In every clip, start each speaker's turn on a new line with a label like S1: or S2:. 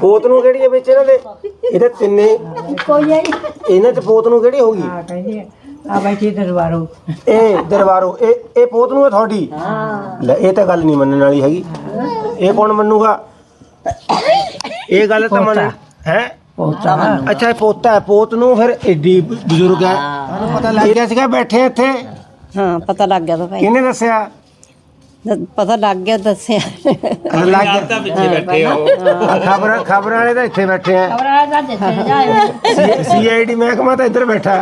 S1: ਪੋਤ ਨੂੰ ਕਿਹੜੀ ਹੈ ਵਿੱਚ ਇਹਨਾਂ ਦੇ? ਇਹਦੇ ਤਿੰਨੇ ਇਹਨਾਂ 'ਚ ਪੋਤ ਨੂੰ ਕਿਹੜੀ ਹੋਊਗੀ?
S2: ਆ ਬੈਠੀ ਦਰਬਾਰੋਂ
S1: ਇਹ ਦਰਬਾਰੋਂ ਇਹ ਪੋਤ ਨੂੰ ਹੈ ਤੁਹਾਡੀ? ਲੈ ਇਹ ਤਾਂ ਗੱਲ ਨਹੀਂ ਮੰਨਣ ਵਾਲੀ ਹੈਗੀ। ਇਹ ਕੌਣ ਮੰਨੂਗਾ ਇਹ ਗੱਲ? ਤਾਂ ਮੰਨ ਹੈ
S2: ਪੋਤਾ।
S1: ਅੱਛਾ ਇਹ ਪੋਤਾ ਹੈ। ਪੋਤ ਨੂੰ ਫਿਰ ਏਡੀ ਬਜ਼ੁਰਗ ਹੈ, ਤੁਹਾਨੂੰ ਪਤਾ ਲੱਗ ਗਿਆ ਸੀਗਾ ਬੈਠੇ ਇੱਥੇ?
S3: ਹਾਂ ਪਤਾ ਲੱਗ ਗਿਆ ਤਾਂ ਭਾਈ,
S1: ਕਿਹਨੇ ਦੱਸਿਆ?
S3: ਪਤਾ ਲੱਗ ਗਿਆ ਦੱਸਿਆ।
S1: ਲੱਗ ਗਿਆ ਪਿੱਛੇ ਬੈਠੇ ਹੋ। ਖਬਰ ਵਾਲੇ ਤਾਂ ਇੱਥੇ ਬੈਠੇ ਆ। CID ਮਹਿਕਮਾ ਤਾਂ ਇੱਧਰ ਬੈਠਾ।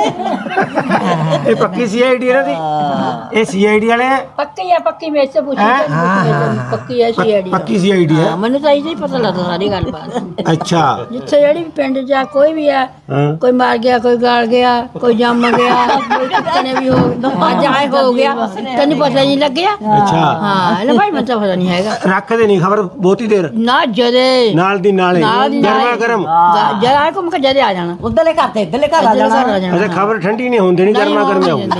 S1: ਇਹ ਪੱਕੀ CID ਇਹਨਾਂ ਦੀ? ਇਹ CID ਵਾਲੇ
S4: ਪੱਕੀ ਹੈ, ਪੱਕੀ ਮੇਰੇ ਸੇ ਪੁੱਛੀ ਪੱਕੀ ਹੈ CID।
S1: ਪੱਕੀ CID ਹੈ?
S4: ਮੈਨੂੰ ਤਾਂ ਇਹ ਹੀ ਪਤਾ ਲੱਗਦਾ ਸਾਰੀ ਗੱਲਬਾਤ।
S1: ਅੱਛਾ
S4: ਜਿੱਥੇ ਜਿਹੜੀ ਵੀ ਪਿੰਡ ਜਾ ਕੋਈ ਵੀ ਹੈ, ਕੋਈ ਮਾਰ ਗਿਆ, ਕੋਈ ਗਾਲ ਗਿਆ, ਕੋਈ ਜੰਮ ਗਿਆ, ਕੋਈ ਟੱਕਣੇ ਵੀ ਹੋ ਅੱਜ ਆਏ ਹੋ ਗਿਆ, ਤੈਨੂੰ ਪਤਾ ਨਹੀਂ ਲੱਗਿਆ?
S1: ਅੱਛਾ
S4: ਹਾਂ ਲੈ ਭਾਈ, ਮੈਨੂੰ ਤਾਂ ਪਤਾ ਨਹੀਂ ਹੈਗਾ।
S1: ਰੱਖਦੇ ਨਹੀਂ ਖਬਰ ਬਹੁਤੀ ਦੇਰ?
S4: ਨਾ ਜਦੇ
S1: ਨਾਲ ਦੀ ਨਾਲੇ ਗਰਮਾ ਗਰਮ
S4: ਜਰਾ ਆਏ ਘੁੰਮ ਕੇ ਜਦੇ ਆ ਜਾਣਾ।
S3: ਉਧਰਲੇ ਘਰ ਤੇ ਇੱਧਰਲੇ ਘਰ ਆ ਜਾਣਾ।
S1: ਅੱਛਾ ਖਬਰ ਠੰਡੀ ਨਹੀਂ ਹੁੰਦੀ, ਨਹੀਂ ਗਰਮਾ ਗਰਮ ਆਉਂਦੀ।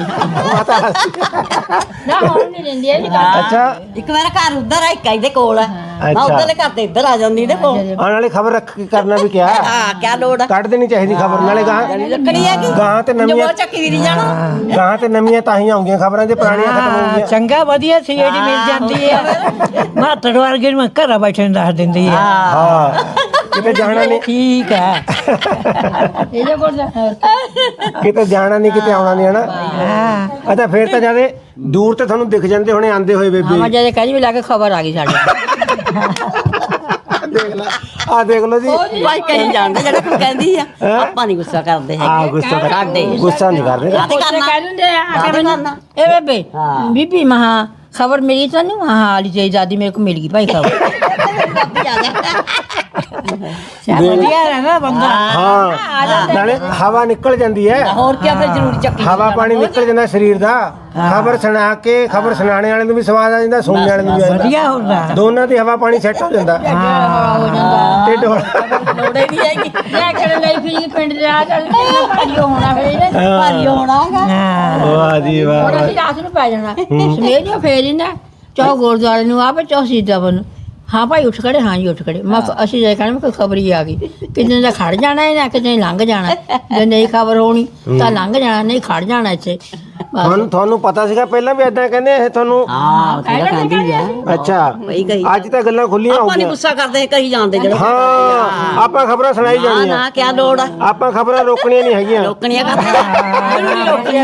S4: ਨਾ ਹੁਣ ਨਹੀਂ ਦਿੰਦੀ ਇਹ ਗੱਲ।
S1: ਅੱਛਾ
S3: ਇੱਕ ਮੇਰਾ ਘਰ ਉਧਰ ਆ, ਇੱਕ ਇਹਦੇ ਕੋਲ ਆ। ਮੈਂ ਉਧਰਲੇ ਘਰ ਤੇ ਇੱਧਰ ਆ ਜਾਂਦੀ ਇਹਦੇ ਕੋਲ।
S1: ਆਉਣ ਵਾਲੀ ਖਬਰ ਰੱਖ ਕੇ ਕਰਨਾ ਵੀ ਕਿਆ?
S3: ਹਾਂ ਕਿਆ ਲੋੜ ਆ?
S1: ਕੱਢ ਦੇਣੀ ਚਾਹੀਦੀ ਖਬਰ, ਨਾਲੇ
S3: ਰੱਖਣੀ ਹੈਗੀ
S1: ਗਾਂ ਤੇ ਨਵੀਆਂ
S3: ਜੋ ਚੱਕੀ ਵੀ ਨਹੀਂ ਜਾਣਾ।
S1: ਗਾਂ ਤੇ ਨਵੀਆਂ ਤਾਂ ਹੀ ਆਉਂਗੀਆਂ ਖਬਰਾਂ, ਜੇ ਪੁਰਾਣੀਆਂ ਖਤਮ ਹੋ ਗਈਆਂ।
S2: ਚੰਗਾ ਵਧੀਆ CID ਮਿਲ ਜਾਂਦੀ ਹੈ। ਮਾਤੜ ਵਰਗੇ ਨੂੰ ਘਰਾਂ ਬੈਠੇ ਨੂੰ ਦੱਸ ਦਿੰਦੀ ਹੈ।
S1: ਹਾਂ ਕਿਤੇ ਜਾਣਾ ਨਹੀਂ।
S2: ਠੀਕ ਹੈ।
S4: ਇਹਦੇ ਕੋਲ
S1: ਕਿਤੇ ਜਾਣਾ ਨਹੀਂ, ਕਿਤੇ ਆਉਣਾ ਨਹੀਂ ਹੈ ਨਾ। ਅੱਛਾ ਫੇਰ ਤਾਂ ਜਿਆਦੇ ਦੂਰ ਤੇ ਤੁਹਾਨੂੰ ਦਿਖ ਜਾਂਦੇ ਹੋਣੇ ਆਂਦੇ ਹੋਏ ਬੇਬੇ।
S4: ਹਾਂ ਜਦੇ ਕਹਿੰਦੀ ਵੀ ਲਾ ਕੇ ਖਬਰ ਆ ਗਈ ਸਾਡੇ।
S1: ਦੇਖ ਲੈ ਆ ਦੇਖ ਲਓ ਜੀ।
S3: ਭਾਈ ਕਹੀਂ ਜਾਣਦੇ ਜਿਹੜਾ ਕੋਈ ਕਹਿੰਦੀ ਆ, ਆਪਾਂ ਨਹੀਂ ਗੁੱਸਾ ਕਰਦੇ ਹੈਗੇ।
S1: ਗੁੱਸਾ ਨਹੀਂ ਕਰਦੇ।
S4: ਕਹਿ ਦਿੰਦੇ ਆ ਇਹ ਬੇਬੇ ਬੀਬੀ ਮਹਾ ਖਬਰ ਮਿਲੀ ਤੈਨੂੰ? ਹਾਂ ਹਾਲੀ ਤੇਰੀ ਦਾਦੀ ਮੇਰੇ ਕੋ ਮਿਲ ਗਈ ਭਾਈ ਖਬਰ।
S2: ਵਧੀਆ ਹੈ ਨਾ ਬੰਦਾ।
S1: ਹਾਂ ਨਾਲੇ ਹਵਾ ਨਿਕਲ ਜਾਂਦੀ ਹੈ।
S3: ਹੋਰ ਕੀ ਫਿਰ ਜ਼ਰੂਰੀ ਚੱਕੀ
S1: ਹਵਾ ਪਾਣੀ ਨਿਕਲ ਜਾਂਦਾ ਸਰੀਰ ਦਾ। ਖਬਰ ਸੁਣਾ ਕੇ ਖਬਰ ਸੁਣਾਣੇ ਵਾਲੇ ਨੂੰ ਵੀ ਸਵਾਦ ਆ ਜਾਂਦਾ, ਸੁਣਨੇ ਵਾਲੇ ਨੂੰ ਵੀ ਆ ਜਾਂਦਾ।
S2: ਵਧੀਆ ਹੁੰਦਾ
S1: ਦੋਨਾਂ ਦੀ ਹਵਾ ਪਾਣੀ ਸੈੱਟ ਹੋ ਜਾਂਦਾ। ਢਿੱਡ
S3: ਲੋੜੇ ਨਹੀਂ ਹੈਗੀ।
S4: ਮੈਂ ਕਰਨ ਲਈ ਫਿਰ ਪਿੰਡ ਦੇ ਆ ਚੱਲ ਭਾਰੀ ਹੋਣਾ ਫਿਰ
S3: ਭਾਰੀ ਹੋਣਾ ਹੈਗਾ।
S1: ਵਾਹ ਜੀ ਵਾਹ।
S4: ਹੁਣ ਅਸੀਂ ਰਾਤ ਨੂੰ ਪੈ ਜਾਣਾ ਸਵੇਰ ਨੂੰ ਫੇਰ ਹੀ ਨਾ ਚਾਹ ਗੁਰਦੁਆਰੇ ਨੂੰ ਆਪੇ ਚਾਹ ਸੀਦਾ ਬਨ। ਹਾਂ ਭਾਈ ਉੱਠ ਖੜੇ, ਹਾਂ ਜੀ ਉੱਠ ਖੜੇ। ਮੈਂ ਅਸੀਂ ਜੇ ਕਹਿਣਾ ਕੋਈ ਖਬਰ ਹੀ ਆ ਗਈ, ਕਿਤੇ ਦਾ ਖੜ ਜਾਣਾ ਹੈ ਨਾ ਕਿਤੇ ਲੰਘ ਜਾਣਾ। ਜੇ ਨਹੀਂ ਖਬਰ ਹੋਣੀ ਤਾਂ ਲੰਘ ਜਾਣਾ, ਨਹੀਂ ਖੜ ਜਾਣਾ ਇੱਥੇ।
S1: ਤੁਹਾਨੂੰ ਪਤਾ ਸੀਗਾ ਪਹਿਲਾਂ ਵੀ ਏਦਾਂ ਕਹਿੰਦੇ ਇਹ ਤੁਹਾਨੂੰ?
S3: ਹਾਂ ਕਹਿੰਦੀ ਆ।
S1: ਅੱਛਾ ਅੱਜ ਤਾਂ ਗੱਲਾਂ ਖੁੱਲੀਆਂ ਹੋ
S3: ਆਪਾਂ ਨਹੀਂ
S1: ਗਈਆਂ।
S3: ਗੁੱਸਾ ਕਰਦੇ ਕਹੀ ਜਾਂਦੇ ਜਿਹੜੇ।
S1: ਹਾਂ ਆਪਾਂ ਖਬਰਾਂ ਸੁਣਾਈ
S3: ਨਾ
S1: ਜਾਣੀਆਂ।
S3: ਨਾ ਕਿਆ ਲੋੜ ਆ?
S1: ਆਪਾਂ ਖਬਰਾਂ ਰੋਕਣੀਆਂ ਨਹੀਂ ਹੈਗੀਆਂ।
S3: ਰੋਕਣੀਆਂ ਕਰਦੇ ਰੋਕਣੀਆਂ।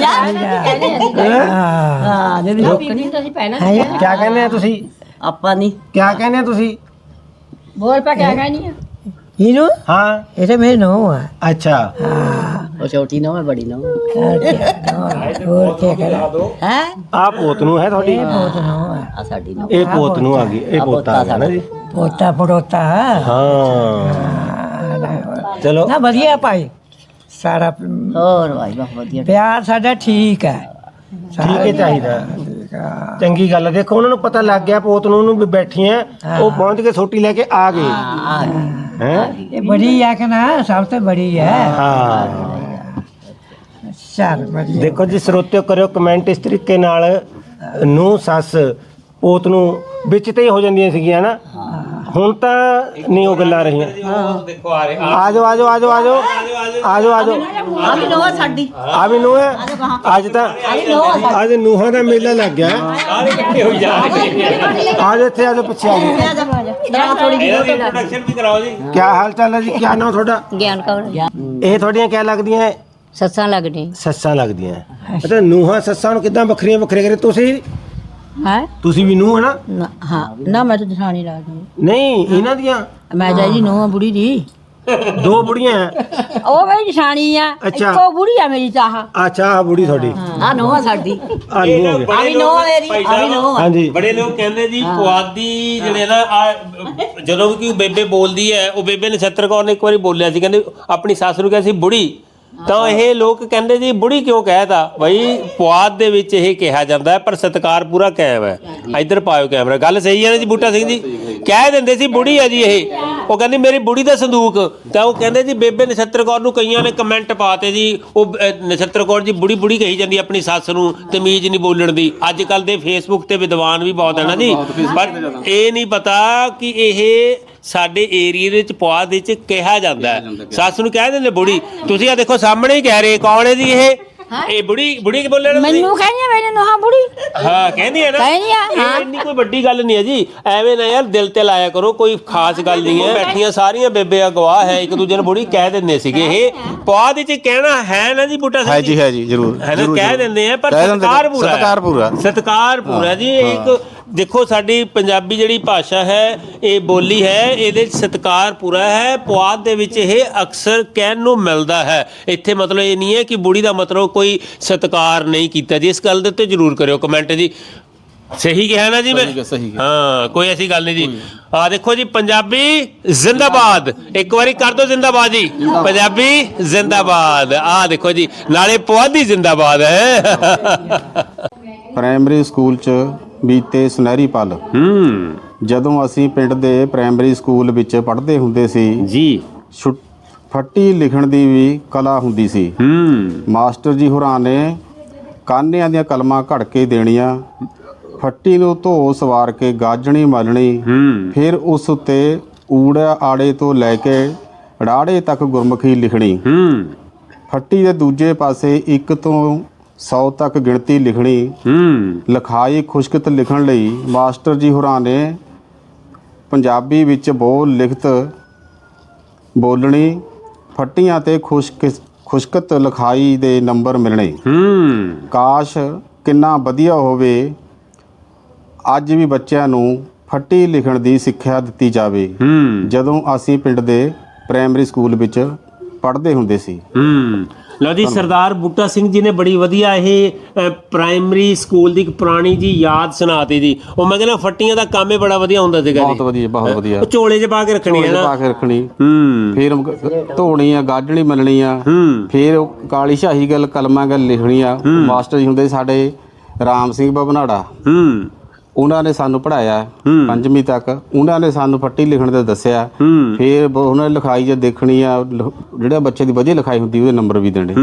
S3: ਹਾਂ ਜੇ
S4: ਰੋਕਣੀ ਤਾਂ ਅਸੀਂ ਪਹਿਲਾਂ
S1: ਕਿਆ ਕਹਿੰਦੇ ਆ ਤੁਸੀਂ?
S3: ਆਪਾਂ ਨਹੀਂ
S1: ਕਿਆ ਕਹਿੰਦੇ ਆ ਤੁਸੀਂ?
S4: ਬੋਲ ਪਾ ਕਿਆ ਕਹਿਣੀ ਆ?
S2: ਇਹਨੂੰ
S1: ਹਾਂ
S2: ਇਹ ਤਾਂ ਮੇਰੇ ਨੋ ਆ।
S1: ਅੱਛਾ
S3: ਉਹ ਛੋਟੀ ਨਾ ਬੜੀ ਨਾ
S2: ਹੋਰ ਕੀ ਕਰਾਂ
S3: ਹੈ।
S1: ਆ ਪੋਤ ਨੂੰ ਹੈ ਤੁਹਾਡੀ?
S2: ਬਹੁਤ ਨੋ ਆ।
S3: ਆ ਸਾਡੀ ਨਾ
S1: ਇਹ ਪੋਤ ਨੂੰ ਆ ਗਈ, ਇਹ ਪੋਤਾ ਆ ਗਿਆ ਨਾ ਜੀ।
S2: ਪੋਤਾ ਪੜੋਤਾ
S1: ਹਾਂ ਚਲੋ
S2: ਨਾ ਵਧੀਆ ਭਾਈ ਸਾਰਾ
S3: ਹੋਰ ਭਾਈ ਬਹੁਤ ਵਧੀਆ।
S2: ਪਿਆਰ ਸਾਡਾ ਠੀਕ ਹੈ।
S1: ਠੀਕ ਹੀ ਚਾਹੀਦਾ। ਚੰਗੀ ਗੱਲ ਹੈ। ਦੇਖੋ ਉਹਨਾਂ ਨੂੰ ਪਤਾ ਲੱਗ ਗਿਆ ਪੋਤ ਨੂੰ ਉਹਨੂੰ ਵੀ ਬੈਠੀ ਐ, ਉਹ ਪਹੁੰਚ ਕੇ ਛੋਟੀ ਲੈ ਕੇ ਆ ਗਏ ਹੈ।
S2: ਇਹ ਬੜੀ ਹੈ ਕਿ ਨਾ, ਸਭ ਤੋਂ ਬੜੀ ਹੈ।
S1: ਹਾਂ
S2: ਚੱਲ ਵਧੀਆ।
S1: ਦੇਖੋ ਜੀ ਸਰੋਤਿਓ, ਕਰਿਓ ਕਮੈਂਟ ਇਸ ਤਰੀਕੇ ਨਾਲ। ਨੂੰ ਸੱਸ ਪੋਤ ਨੂੰ ਵਿੱਚ ਤੇ ਹੀ ਹੋ ਜਾਂਦੀਆਂ ਸੀਗੀਆਂ ਨਾ, ਹੁਣ ਤਾਂ ਨਹੀਂ ਉਹ ਗੱਲਾਂ ਰਹੀਆਂ।
S5: ਦੇਖੋ ਆ ਰਹੇ
S1: ਆ ਜਾਓ ਆ ਜਾਓ ਆ ਜਾਓ ਆ ਜਾਓ ਆ ਜਾਓ ਆ ਜਾਓ।
S3: ਆ ਵੀ ਨੋਆ ਸਾਡੀ।
S1: ਆ ਵੀ ਨੂੰਹ ਹੈ ਅੱਜ ਤਾਂ। ਅੱਜ ਨੂੰਹਾਂ ਦਾ ਮੇਲਾ ਲੱਗ ਗਿਆ।
S5: ਸਾਰੇ ਇਕੱਠੇ ਹੋਈ ਜਾ ਰਹੇ
S1: ਆ ਜਾਓ ਇੱਥੇ ਆ ਜਾਓ, ਪਿੱਛੇ ਆ ਜਾਓ।
S3: ਥੋੜੀ ਜਿਹੀ
S5: ਇਹਦਾ ਇੰਟਰੋਡਕਸ਼ਨ ਵੀ ਕਰਾਓ ਜੀ।
S1: ਕੀ ਹਾਲ ਚਾਲ ਹੈ ਜੀ? ਕੀ ਨਾਮ ਤੁਹਾਡਾ?
S4: ਗਿਆਨ ਕੌਰ
S1: ਇਹ ਤੁਹਾਡੀਆਂ ਕਿਆ ਲੱਗਦੀਆਂ?
S4: ਸੱਸਾਂ ਲੱਗਣੀ
S1: ਸੱਸਾਂ ਲੱਗਦੀਆਂ। ਅੱਛਾ ਨੂੰਹਾਂ ਸੱਸਾਂ ਨੂੰ ਕਿੱਦਾਂ ਵੱਖਰੀਆਂ ਵੱਖਰੀਆਂ ਕਰੇ?
S4: ਹੈ
S1: ਤੁਸੀਂ ਵੀ ਨੂੰਹ ਹੈ ਨਾ?
S4: ਹਾਂ ਨਾ ਮੈਂ ਤਾਂ ਜਠਾਣੀ ਲੱਗਦੀ।
S1: ਨਹੀਂ ਇਹਨਾਂ ਦੀਆਂ
S4: ਮੈਂ ਜਾਈ ਨੂੰ ਬੁੜੀ ਦੀ।
S1: ਦੋ ਬੁੜੀਆਂ ਹੈ।
S4: ਉਹ ਮੇਰੀ ਜਠਾਣੀ ਆ,
S1: ਅੱਛਾ।
S4: ਇੱਕੋ ਬੁੜੀ ਆ ਮੇਰੀ ਤਾਂ ਆਹ।
S1: ਅੱਛਾ ਆ ਬੁੜੀ ਤੁਹਾਡੀ?
S3: ਆ ਨੋਆ ਸਾਡੀ।
S1: ਆ ਨੂੰਹ ਹੋ ਗਈ।
S3: ਆ ਵੀ ਨੋਆ ਮੇਰੀ। ਆ ਵੀ ਨੋਆ।
S1: ਹਾਂਜੀ
S5: ਬੜੇ ਲੋਕ ਕਹਿੰਦੇ ਜੀ ਪੁਆਧੀ ਜਿਹੜੇ ਨਾ ਜਦੋਂ ਵੀ ਕੋਈ ਬੇਬੇ ਬੋਲਦੀ ਹੈ, ਉਹ ਬੇਬੇ ਨਛੱਤਰ ਕੌਰ ਨੇ ਇੱਕ ਵਾਰੀ ਬੋਲਿਆ ਸੀ, ਕਹਿੰਦੇ ਆਪਣੀ ਸੱਸ ਨੂੰ ਕਿਹਾ ਸੀ ਬੁੜੀ। ਤਾਂ ਇਹ ਲੋਕ ਕਹਿੰਦੇ ਜੀ ਬੁੜੀ ਕਿਉਂ ਕਹਿਤਾ? ਬਈ ਪੁਆਧ ਦੇ ਵਿੱਚ ਇਹ ਕਿਹਾ ਜਾਂਦਾ ਹੈ, ਪਰ ਸਤਿਕਾਰ ਪੂਰਾ ਕਾਇਮ ਹੈ। ਇੱਧਰ ਪਾਇਓ ਕੈਮਰਾ। ਗੱਲ ਸਹੀ ਹੈ ਨਾ ਜੀ ਬੂਟਾ ਸਿੰਘ ਜੀ? ਕਹਿ ਦਿੰਦੇ ਸੀ ਬੁੜੀ ਹੈ ਜੀ ਇਹ। ਉਹ ਕਹਿੰਦੀ ਮੇਰੀ ਬੁੜੀ ਦਾ ਸੰਦੂਕ। ਤਾਂ ਉਹ ਕਹਿੰਦੇ ਜੀ ਬੇਬੇ ਨਛੱਤਰ ਕੌਰ ਨੂੰ ਕਈਆਂ ਨੇ ਕਮੈਂਟ ਪਾਤੇ ਜੀ, ਉਹ ਨਛੱਤਰ ਕੌਰ ਜੀ ਬੁੜੀ ਬੁੜੀ ਕਹੀ ਜਾਂਦੀ ਆਪਣੀ ਸੱਸ ਨੂੰ, ਤਮੀਜ਼ ਨਹੀਂ ਬੋਲਣ ਦੀ। ਅੱਜ ਕੱਲ ਦੇ ਫੇਸਬੁੱਕ ਤੇ ਵਿਦਵਾਨ ਵੀ ਬਹੁਤ ਹੈ ਨਾ ਜੀ, ਪਰ ਇਹ ਨਹੀਂ ਪਤਾ ਕਿ ਇਹ ਸਾਡੇ ਏਰੀਏ ਦੇ ਵਿੱਚ ਪੁਆਧ ਵਿੱਚ ਕਿਹਾ ਜਾਂਦਾ ਹੈ। ਸੱਸ ਨੂੰ ਕਹਿ ਦਿੰਦੇ ਬੁੜੀ। ਤੁਸੀਂ ਆ ਦੇਖੋ ਸਾਹਮਣੇ ਹੀ ਕਹਿ ਰਹੇ, ਕੌਣ ਹੈ ਜੀ ਇਹ ਬੁੜੀ ਕੀ ਬੋਲੇ ਨਾ ਤੁਸੀਂ?
S4: ਮੈਨੂੰ ਕਹਿੰਦੀ ਮੈਨੂੰ ਹਾਂ ਬੁੜੀ
S5: ਹਾਂ ਕਹਿੰਦੀ ਹੈ ਨਾ,
S4: ਕਹਿੰਦੀ ਆ,
S5: ਇਹ ਇੰਨੀ ਕੋਈ ਵੱਡੀ ਗੱਲ ਨਹੀਂ ਹੈ ਜੀ। ਐਵੇਂ ਨਾ ਯਾਰ ਦਿਲ ਤੇ ਲਾਇਆ ਕਰੋ, ਕੋਈ ਖਾਸ ਗੱਲ ਨਹੀਂ ਹੈ। ਬੈਠੀਆਂ ਸਾਰੀਆਂ ਬੇਬੇ ਗਵਾਹ ਹੈ, ਇੱਕ ਦੂਜੇ ਨੂੰ ਬੁੜੀ ਕਹਿ ਦਿੰਦੇ ਸੀਗੇ। ਇਹ ਪੁਆਧ ਵਿੱਚ ਕਹਿਣਾ ਹੈ ਨਾ ਜੀ ਬੂਟਾ ਸਿੰਘ ਜੀ?
S6: ਹੈ ਜੀ ਜ਼ਰੂਰ
S5: ਹੈ ਨਾ, ਕਹਿ ਦਿੰਦੇ ਆ, ਪਰ ਸਤਿਕਾਰ ਪੂਰਾ ਸਤਿਕਾਰ ਪੂਰਾ ਜੀ। ਇੱਕ ਦੇਖੋ ਸਾਡੀ ਪੰਜਾਬੀ ਜਿਹੜੀ ਭਾਸ਼ਾ ਹੈ, ਇਹ ਬੋਲੀ ਹੈ, ਇਹਦੇ 'ਚ ਸਤਿਕਾਰ ਪੂਰਾ ਹੈ। ਪੁਆਧ ਦੇ ਵਿੱਚ ਇਹ ਅਕਸਰ ਕਹਿਣ ਨੂੰ ਮਿਲਦਾ ਹੈ। ਇੱਥੇ ਮਤਲਬ ਇਹ ਨਹੀਂ ਹੈ ਕਿ ਬੁੜੀ ਦਾ ਮਤਲਬ ਕੋਈ ਸਤਿਕਾਰ ਨਹੀਂ ਕੀਤਾ ਜੀ। ਇਸ ਗੱਲ ਦੇ ਉੱਤੇ ਜ਼ਰੂਰ ਕਰਿਓ ਕਮੈਂਟ ਜੀ। ਸਹੀ ਕਿਹਾ ਨਾ ਜੀ ਮੈਂ? ਹਾਂ, ਕੋਈ ਐਸੀ ਗੱਲ ਨਹੀਂ ਜੀ। ਆ ਦੇਖੋ ਜੀ, ਪੰਜਾਬੀ ਜ਼ਿੰਦਾਬਾਦ। ਇੱਕ ਵਾਰੀ ਕਰ ਦਿਓ ਜ਼ਿੰਦਾਬਾਦ ਜੀ, ਪੰਜਾਬੀ ਜ਼ਿੰਦਾਬਾਦ। ਆ ਦੇਖੋ ਜੀ, ਨਾਲੇ ਪੁਆਧੀ ਜ਼ਿੰਦਾਬਾਦ ਹੈ।
S6: ਪ੍ਰਾਇਮਰੀ ਸਕੂਲ 'ਚ ਬੀਤੇ ਸੁਨਹਿਰੀ ਪਲ। ਜਦੋਂ ਅਸੀਂ ਪਿੰਡ ਦੇ ਪ੍ਰਾਇਮਰੀ ਸਕੂਲ ਵਿੱਚ ਪੜ੍ਹਦੇ ਹੁੰਦੇ ਸੀ
S5: ਜੀ,
S6: ਫੱਟੀ ਲਿਖਣ ਦੀ ਵੀ ਕਲਾ ਹੁੰਦੀ ਸੀ। ਮਾਸਟਰ ਜੀ ਹੋਰਾਂ ਨੇ ਕਾਨਿਆਂ ਦੀਆਂ ਕਲਮਾਂ ਘੜ ਕੇ ਦੇਣੀਆਂ, ਫੱਟੀ ਨੂੰ ਧੋ ਸਵਾਰ ਕੇ ਗਾਜਣੀ ਮਲਣੀ, ਫਿਰ ਉਸ ਉੱਤੇ ਊੜਾ ਆੜੇ ਤੋਂ ਲੈ ਕੇ ੜਾੜੇ ਤੱਕ ਗੁਰਮੁਖੀ ਲਿਖਣੀ। ਫੱਟੀ ਦੇ ਦੂਜੇ ਪਾਸੇ 1 ਤੋਂ 100 ਤੱਕ ਗਿਣਤੀ ਲਿਖਣੀ। ਲਿਖਾਈ ਖੁਸ਼ਕਤ ਲਿਖਣ ਲਈ ਮਾਸਟਰ ਜੀ ਹੋਰਾਂ ਨੇ ਪੰਜਾਬੀ ਵਿੱਚ ਬੋਲ ਲਿਖਤ ਬੋਲਣੀ। ਫੱਟੀਆਂ ਤੇ ਖੁਸ਼ਕਤ ਲਿਖਾਈ ਦੇ ਨੰਬਰ ਮਿਲਣੇ। ਕਾਸ਼ ਕਿੰਨਾ ਵਧੀਆ ਹੋਵੇ ਅੱਜ ਵੀ ਬੱਚਿਆਂ ਨੂੰ ਫੱਟੀ ਲਿਖਣ ਦੀ ਸਿੱਖਿਆ ਦਿੱਤੀ ਜਾਵੇ, ਜਦੋਂ ਅਸੀਂ ਪਿੰਡ ਦੇ ਪ੍ਰਾਇਮਰੀ ਸਕੂਲ ਵਿੱਚ ਪੜ੍ਹਦੇ ਹੁੰਦੇ ਸੀ।
S5: ਲਓ ਜੀ, ਸਰਦਾਰ ਬੂਟਾ ਸਿੰਘ ਜੀ ਨੇ ਬੜੀ ਵਧੀਆ ਇਹ ਪ੍ਰਾਇਮਰੀ ਸਕੂਲ ਦੀ ਇੱਕ ਪੁਰਾਣੀ ਜੀ ਯਾਦ ਸੁਣਾਤੀ ਜੀ। ਉਹ ਮੈਂ ਕਹਿੰਦਾ ਫੱਟੀਆਂ ਦਾ ਕੰਮ ਹੀ ਬੜਾ ਵਧੀਆ ਹੁੰਦਾ ਸੀਗਾ ਜੀ।
S6: ਬਹੁਤ ਵਧੀਆ।
S5: ਉਹ ਝੋਲੇ 'ਚ ਪਾ ਕੇ ਰੱਖਣੀ ਹੈ ਨਾ,
S6: ਫਿਰ ਧੋਣੀ ਆ, ਗਾਜਣੀ ਮਲਣੀ ਆ, ਫਿਰ ਕਾਲੀ ਸ਼ਾਹੀ ਗੱਲ ਕਲਮਾਂ ਗੱਲ ਲਿਖਣੀ ਆ। ਮਾਸਟਰ ਜੀ ਹੁੰਦੇ ਸਾਡੇ ਰਾਮ ਸਿੰਘ ਬਬਨਾੜਾ, ਉਹਨਾਂ ਨੇ ਸਾਨੂੰ ਪੜ੍ਹਾਇਆ 5ਵੀਂ ਤੱਕ। ਉਹਨਾਂ ਨੇ ਸਾਨੂੰ ਫੱਟੀ ਲਿਖਣ ਦਾ ਦੱਸਿਆ। ਫਿਰ ਉਹਨਾਂ ਨੇ ਲਿਖਾਈ ਜੇ ਦੇਖਣੀ ਆ, ਜਿਹੜਾ ਬੱਚੇ ਦੀ ਵਧੀਆ ਲਿਖਾਈ ਹੁੰਦੀ ਉਹਦੇ ਨੰਬਰ ਵੀ ਦੇਣੇ।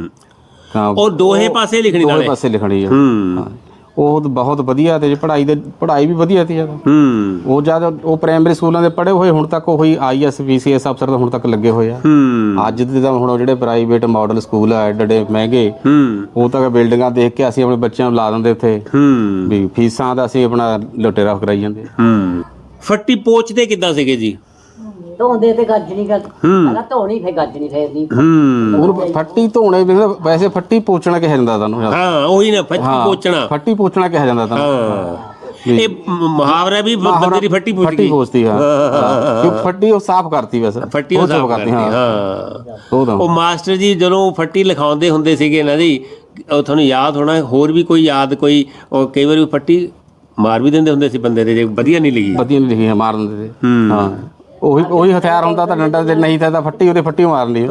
S5: ਉਹ ਦੋਹੇ ਪਾਸੇ ਲਿਖਣੀ,
S6: ਦੋਹੇ ਪਾਸੇ ਲਿਖਣੀ ਆ। ਉਹ ਬਹੁਤ ਵਧੀਆ ਤੇ ਪੜ੍ਹਾਈ ਵੀ ਵਧੀਆ ਤੇ ਜਿਆਦਾ। ਉਹ ਜਦ ਉਹ ਪ੍ਰਾਇਮਰੀ ਸਕੂਲਾਂ ਦੇ ਪੜ੍ਹੇ ਹੋਏ, ਹੁਣ ਤੱਕ ਉਹੀ IAS PCS ਅਫਸਰ ਤਾਂ ਹੁਣ ਤੱਕ ਲੱਗੇ ਹੋਏ ਆ। ਅੱਜ ਦੇ ਤਾਂ ਹੁਣ ਜਿਹੜੇ ਪ੍ਰਾਈਵੇਟ ਮਾਡਲ ਸਕੂਲ ਆ ਐਡੇ ਮਹਿੰਗੇ, ਉਹ ਤਾਂ ਬਿਲਡਿੰਗਾਂ ਦੇਖ ਕੇ ਅਸੀਂ ਆਪਣੇ ਬੱਚਿਆਂ ਨੂੰ ਲਾ ਦਿੰਦੇ ਉੱਥੇ ਵੀ ਫੀਸਾਂ ਦਾ ਅਸੀਂ ਆਪਣਾ ਲੁਟੇਰਾ ਕਰਾਈ ਜਾਂਦੇ।
S5: ਫੱਟੀ ਪੋਚਦੇ ਕਿੱਦਾਂ ਸੀਗੇ ਜੀ?
S3: ਧੋਂਦੇ ਤੇ ਗੱਜਣੀ ਪਹਿਲਾਂ ਧੋਣੀ, ਫਿਰ ਗੱਜਣੀ ਫੇਰਨੀ।
S6: ਹੁਣ ਫੱਟੀ ਧੋਣੇ ਵੈਸੇ ਫੱਟੀ ਪੋਚਣਾ ਕਿਹਾ ਜਾਂਦਾ ਤੁਹਾਨੂੰ।
S5: ਹਾਂ ਉਹੀ ਨਾ,
S6: ਫੱਟੀ ਪੋਚਣਾ ਕਿਹਾ ਜਾਂਦਾ ਤੁਹਾਨੂੰ।
S5: ਇਹ ਮੁਹਾਵਰਾ ਵੀ ਬੰਦੇ ਦੀ ਫੱਟੀ
S6: ਪੋਚਦੀ। ਹਾਂ, ਫੱਟੀ ਉਹ ਸਾਫ਼ ਕਰਤੀ ਵੈਸੇ,
S5: ਫੱਟੀ ਉਹ ਸਾਫ਼ ਕਰਤੀ। ਹਾਂ, ਉਹ ਮਾਸਟਰ ਜੀ ਜਦੋਂ ਫੱਟੀ ਲਿਖਾਉਂਦੇ ਹੁੰਦੇ ਸੀਗੇ ਨਾ ਜੀ, ਉਹ ਤੁਹਾਨੂੰ ਯਾਦ ਹੋਣਾ, ਹੋਰ ਵੀ ਕੋਈ ਯਾਦ ਕੋਈ, ਉਹ ਕਈ ਵਾਰੀ ਫੱਟੀ ਮਾਰ ਵੀ ਦਿੰਦੇ ਹੁੰਦੇ ਸੀ ਬੰਦੇ ਦੇ, ਜੇ ਵਧੀਆ ਨਹੀਂ ਲਿਖੀ ਮਾਰ ਦਿੰਦੇ ਸੀ। ਹਾਂ, ਉਹੀ ਹਥਿਆਰ ਹੁੰਦਾ ਤਾਂ ਡੰਡਾ, ਤੇ ਨਹੀਂ ਤਾਂ ਫੱਟੀ ਉਹਦੇ ਫੱਟੀ ਮਾਰਨੀ।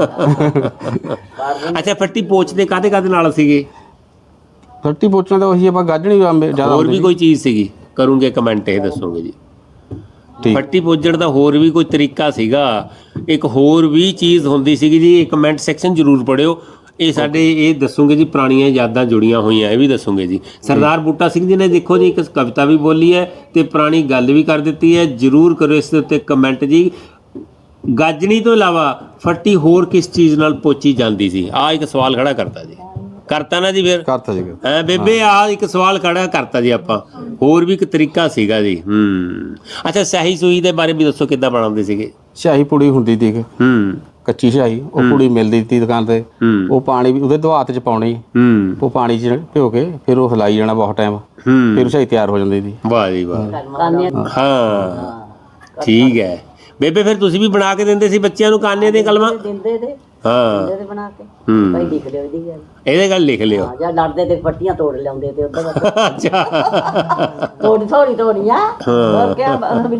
S5: ਅੱਛਾ, ਫੱਟੀ ਪੋਚਦੇ ਕਾਹਦੇ ਨਾਲ ਸੀਗੇ?
S6: ਫੱਟੀ ਪੋਚਣਾ ਤਾਂ ਉਹੀ ਆਪਾਂ ਗਾਜਣੀ ਜ਼ਿਆਦਾ।
S5: ਹੋਰ ਵੀ ਕੋਈ ਚੀਜ਼ ਸੀਗੀ? ਕਰੂੰਗੇ ਕਮੈਂਟ, ਇਹ ਦੱਸੋਗੇ ਜੀ। ਫੱਟੀ ਪੋਚਣ ਦਾ ਹੋਰ ਵੀ ਕੋਈ ਤਰੀਕਾ ਸੀਗਾ? ਇੱਕ ਹੋਰ ਵੀ ਚੀਜ਼ ਹੁੰਦੀ ਸੀਗੀ ਜੀ, ਇਹ ਕਮੈਂਟ ਸੈਕਸ਼ਨ ਜ਼ਰੂਰ ਪੜਿਓ। ਇਹ ਸਾਡੇ ਇਹ ਦੱਸੋਗੇ ਜੀ, ਪੁਰਾਣੀਆਂ ਯਾਦਾਂ ਜੁੜੀਆਂ ਹੋਈਆਂ, ਇਹ ਵੀ ਦੱਸੋਗੇ ਜੀ। ਸਰਦਾਰ ਬੂਟਾ ਸਿੰਘ ਜੀ ਨੇ ਦੇਖੋ ਜੀ ਇੱਕ ਕਵਿਤਾ ਵੀ ਬੋਲੀ ਹੈ ਤੇ ਪੁਰਾਣੀ ਗੱਲ ਵੀ ਕਰ ਦਿੱਤੀ ਹੈ। ਜ਼ਰੂਰ ਕਰੋ ਇਸ ਦੇ ਉੱਤੇ ਕਮੈਂਟ ਜੀ। ਗਾਜਣੀ ਤੋਂ ਇਲਾਵਾ ਫੱਟੀ ਹੋਰ ਕਿਸ ਚੀਜ਼ ਨਾਲ ਪੋਚੀ ਜਾਂਦੀ ਸੀ? ਆਹ ਇੱਕ ਸਵਾਲ ਖੜਾ ਕਰਤਾ ਜੀ, ਕਰਤਾ ਨਾ ਜੀ? ਫਿਰ
S6: ਕਰਤਾ ਜੀ।
S5: ਬੇਬੇ ਆਹ ਇੱਕ ਸਵਾਲ ਖੜਾ ਕਰਤਾ ਜੀ ਆਪਾਂ। ਹੋਰ ਵੀ ਇੱਕ ਤਰੀਕਾ ਸੀਗਾ ਜੀ। ਅੱਛਾ, ਸਿਆਹੀ ਸੂਈ ਦੇ ਬਾਰੇ ਵੀ ਦੱਸੋ, ਕਿੱਦਾਂ ਬਣਾਉਂਦੇ ਸੀਗੇ?
S6: ਸਿਆਹੀ ਪੁੜੀ ਹੁੰਦੀ ਸੀ, ਕੱਚੀ ਸਿਆਹੀ। ਉਹ ਪੁੜੀ ਮਿਲਦੀ ਸੀ ਦੁਕਾਨ ਤੇ। ਉਹ ਪਾਣੀ ਵੀ ਉਹਦੇ ਦਵਾਤ ਚ ਪਾਉਣੀ, ਉਹ ਪਾਣੀ ਚ ਭਿਓ ਕੇ ਫਿਰ ਉਹ ਹਿਲਾਈ ਜਾਣਾ ਬਹੁਤ ਟਾਈਮ, ਫਿਰ ਸਿਆਹੀ ਤਿਆਰ ਹੋ ਜਾਂਦੀ ਸੀ।
S5: ਵਾਹ ਜੀ ਵਾਹ। ਹਾਂ, ਠੀਕ ਹੈ ਬੇਬੇ। ਫਿਰ ਤੁਸੀਂ ਵੀ ਬਣਾ ਕੇ ਦਿੰਦੇ ਸੀ ਬੱਚਿਆਂ ਨੂੰ ਕਾਨੇ ਦੀਆਂ ਕਲਮਾਂ?
S3: ਦਿੰਦੇ ਤੇ
S5: ਹਾਂ,
S3: ਬਣਾ ਕੇ ਭਾਈ ਲਿਖ ਲਿਓ ਇਹਦੀ ਗੱਲ,
S5: ਇਹਦੇ ਗੱਲ ਲਿਖ ਲਿਓ।
S3: ਜਾਂ ਲੜਦੇ ਤੇ ਫੱਟੀਆਂ ਤੋੜ ਲਿਆਉਂਦੇ ਤੇ ਉਧਰ।
S5: ਅੱਛਾ,
S3: ਥੋੜੀਆਂ ਹੋਰ ਕਿਆ